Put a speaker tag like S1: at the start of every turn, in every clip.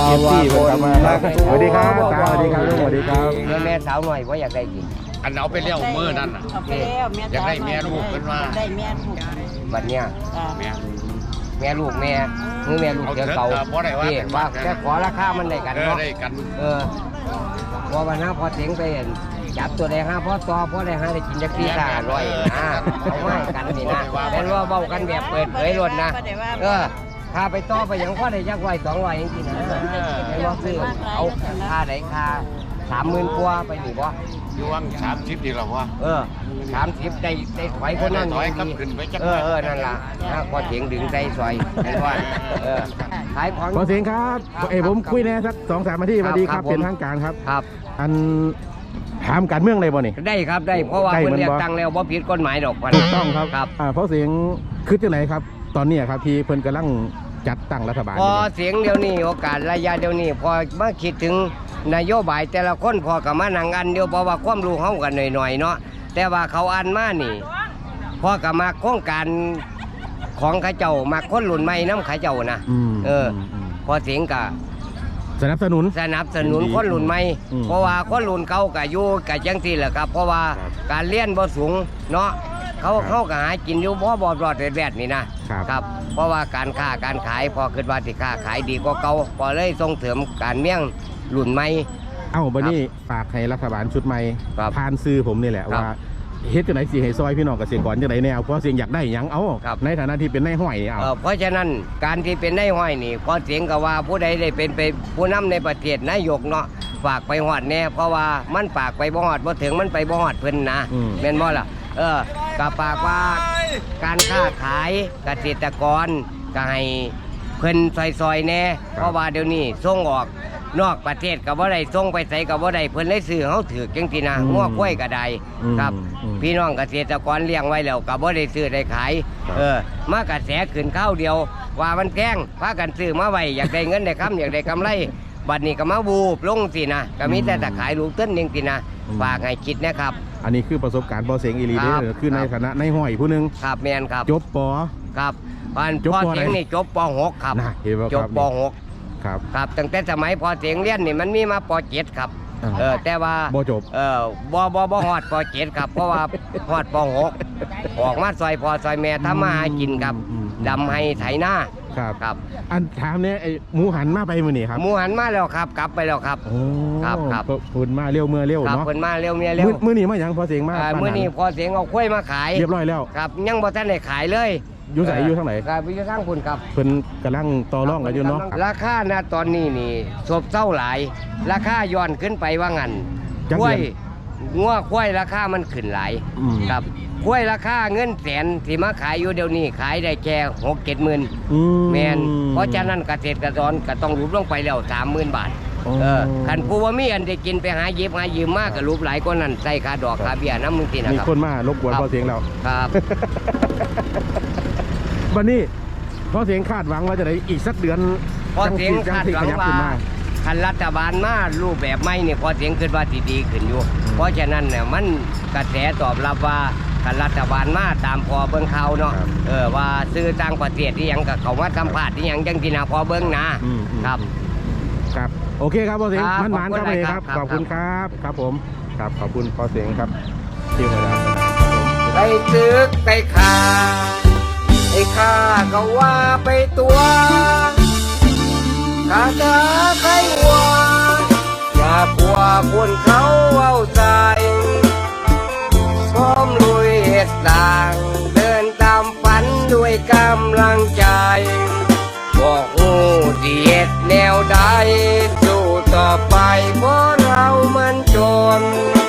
S1: เอฟซีเป็นกลับมาครับสวัสดีครับสวัสดีครับสวัสดีครับ
S2: แม่สาวหน่อยว่าอยากได้กิน
S3: อันเอาไปเลี้ยวมือนั่นน่ะ
S4: เอาไปแล้วแม่
S3: อยากได้แม่ลูกเป็นว่า
S4: ได้แม่ลูก
S2: บัดเนี้ย
S3: แม่
S2: แม่ลูกแม่มือแม่ลูกเดี๋ยวเก่า
S3: บ่ได้ว่า
S2: ที่ว่าแค่ขอราคามันได้กันเนาะ
S3: ได้กัน
S2: พอวันหน้าพอเสียงไปจับตัวแดงห้าพอต่อพอได้ห้าได้กินจักที่500นะเอาไว้กันนี่นะเป็นว่าเบากันแบบเปิดเผยรถนะถ้าไปต่อไปอย่างพ่อได้ยักไว้200จริงๆนะเป็นว่าซื้อเอาค่าไหนค่า30,000 กว่าไปหนิบ่
S3: อยู่วัง30ดีหรอวะ
S2: 30ได้ถอยคนนั้น
S3: ถอยครับขึ้นไปจัก
S2: นั่นล่ะพอเสียงดึงใจซอยเป็นว่าขายของ
S1: ขอเสียงครับผมคุยแน่สัก2-3 นาทีสวัสดีครับเป็นทางการครับ
S2: ครับ
S1: อันถามการเมืองเลยบ่นี่
S2: ได้ครับได้เพราะว่า
S1: ได้
S2: เพิ่น
S1: มัน
S2: เรียก
S1: บ่
S2: ตังค์แล้วบ่ผิดกฎหมายดอกพัน
S1: ถูกต้องครับ
S2: ครับ
S1: เพราะเสียงคือจังไหนครับ ตอนนี้ครับที่เพิ่นกำลังจัดตั้งรัฐบาล
S2: พอเสียงเดียวนี้โอกาสระยะเดียวนี้พอมาคิดถึงนโยบายแต่ละคนพอกับมานั่งอันเดียวเพราะว่าความรู้เฮากันหน่อยๆเนาะแต่ว่าเขาอันมานี่พอกับมาโครงการของเขาเจ้ามาคนรุ่นใหม่นำเขาเจ้านะพอเสียงก็
S1: สนับสนุน
S2: คนรุ่นใหม่
S1: อืม
S2: เพราะว่าคนรุ่นเก่าก็อยู่กับจังซี่แหละครับ เพราะว่า
S1: ครับ
S2: การเรียนบ่สูงเนาะเขาก็หากินอยู่บ่รอดแวดๆนี่นะครับ ครับ เพราะว่าการค้าการขายพอคิดว่าสิค้าขายดีกว่าเก่าพอเลยส่งเสริมการเมี่ยงรุ่นใหม่
S1: บัดนี้ฝากให้รัฐบาลชุดใหม่
S2: ครับ
S1: ผ่านซื้อผมนี่แหละ
S2: ครับ
S1: ว่าเฮ็ดจังไหนสิให้ซอยพี่น้องเกษตรกรจังไหนแนวเพราะเสียงอยากได้หยังเอา
S2: ครับ
S1: ในฐานะที่เป็นนายห้อยนี่เอา
S2: เพราะฉะนั้นการที่เป็นนายห้อยนี่พอเสียงก็ว่าผู้ใดได้เป็นไปผู้นำในประเทศนายกเนาะฝากไปฮอดแน่เพราะว่ามันฝากไปบ่ฮอดบ่ถึงมันไปบ่ฮอดเพิ่นนะแม่นบ่ล่ะก็ฝากว่าการค้าขายเกษตรกรก็ให้เพิ่นซอยๆแน่เพราะว่าเดี๋ยวนี้ส่งออกนอกประเทศก็บ่ได้ส่งไปไสก็บ่ได้เพิ่นเลยซื้อเฮาถือจังซี่นะงัวกล้วยก็ได้ครับ พี่น้องเกษตรกรเลี้ยงไว้แล้วก็บ่ได้ซื้อได้ขายมากระแสขึ้นข้าวเดียวว่ามันแพงพากันซื้อมาไว้อยากได้เงินได้คำอยากได้กำไรบัดนี้ก็มาบูบลงสินะก็มีแต่จะขายลูกต้นนึงสินะฝากให้คิดนะครับ
S1: อันนี้คือประสบการณ์พอเสียงอีหลีเด้
S2: ครับ
S1: อคือในฐานะนายห้อยผู้หนึง
S2: ครับแม่นครับ
S1: จบปอ
S2: ครับพ่
S1: จบ
S2: อ
S1: ป
S2: เสียง
S1: ไหน
S2: นี่จบป .6 ครับ
S1: น่ะเห็นบ่ครับ
S2: จบป
S1: ครับ
S2: .6 ครับตั้งแต่สมัยพอเสียงเรียนนี่มันมีมาป .7 ครับแต่ว่า
S1: บ่จบ
S2: บ่ฮอดป .7 ครับเพราะว่าฮอดป .6 ออกมาซอยพ่อซอยแม่ทำมาหากินครับดำให้ไถนา
S1: ครับ
S2: ครับ
S1: อันถามเนี่ยไอ้หมูหันมาไปมื้อนี้ครับ
S2: หมูหันมาแล้วครับกลับไปแล้วครับ
S1: โอ้
S2: ครับ
S1: เพิ่นมาเร็วเมื่อเร็ว
S2: ครับ
S1: เนาะ
S2: เพิ่นมาเร็วเมียเร็ว
S1: มื้อนี้มาหยังพอเสียงมา
S2: มื้อนี้พอเสียงเอาข้วยมาขาย
S1: เรียบร้อยแล้ว
S2: ครับยังบ่ทันได้ขายเลย
S1: อยู่ไสอยู่ทางไหน
S2: ครับอยู่ทางคุณครับ
S1: เพิ่นกำลังต่อรองกันอยู่เนาะ
S2: ราคานะตอนนี้นี่ซบเซาหลาย ราคาย้อนขึ้นไปว่างั้น
S1: จัก
S2: ข้ว
S1: เดื
S2: ย
S1: อน
S2: งัวข้วยราคามันขึ้นหลาย
S1: อืม
S2: ครับข้วยราคาเงินแสนที่มาขายอยู่เดี๋ยวนี้ขายได้แค่6-7 หมื่น แมนเพราะฉะนั้นเกษตรกรก็ต้องรูปลงไปแล้ว30,000 บาทคันผู้ว่ามีอันได้กินไปหาหยิบหายืมมากก็รูปหลายกว่านั้นใส่ค่าดอกค่าเบี้ยน้ำมึงทีนะ
S1: มี
S2: ครับ
S1: คนมารบกวน
S2: ครับ
S1: พอเสียงแล้ว
S2: ครับ
S1: วันนี้พอเสียงคาดหวังว่าจะได้อีกสักเดือน
S2: พอเสียงคาดหวัง
S1: จัสิขยับ
S2: ว่า
S1: ขึ้นมา
S2: คันรัฐบาลมารูปแบบใหม่เนี่ยพอเสียงขึ้นว่าสิดีขึ้นอยู่ เพราะฉะนั้นเนี่ยมันกระแสตอบรับว่าคันรัฐบาลมาตามพอเบิ่งข่าวเนาะว่าซื้อต่างประเทศที่ยังกับเขามาสัมภาษณ์ที่ยังจังที่นาพอเบิ่งนะครับ
S1: ครับโอเคครับพอเสียง
S2: ครับ
S1: มันๆครับ
S2: ขอบคุณ
S1: เลยครับ
S2: ครับ
S1: ขอบคุณครับครับผมครับขอบคุณพอเสียงครับที่มาแล้ว
S2: ไปตึกไปขาไอ้ข้าก็ว่าไปตัวข้าจะใครว่าอย่ากลัวคนเขาเอาใจพร้อมลุยเหตุต่างเดินตามฝันด้วยกำลังใจบอกหูที่เหตุแนวใดสู้ต่อไปเพราะเรามันจน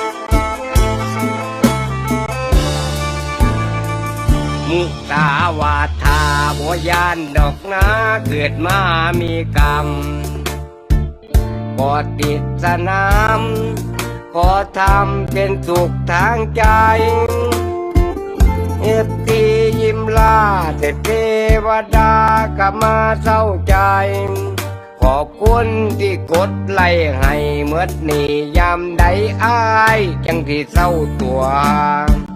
S2: มุตาวาทาบยานดอกนาเกิดมามีกรรมก็ติดสนามก็ทำเป็นสุขทางใจเอฟตียิ้มลาแต่เทวดาก็มาเศร้าใจขอบคุณที่กดไล่ให้เมื่อนี่ยามใดอายจังที่เศร้าตัว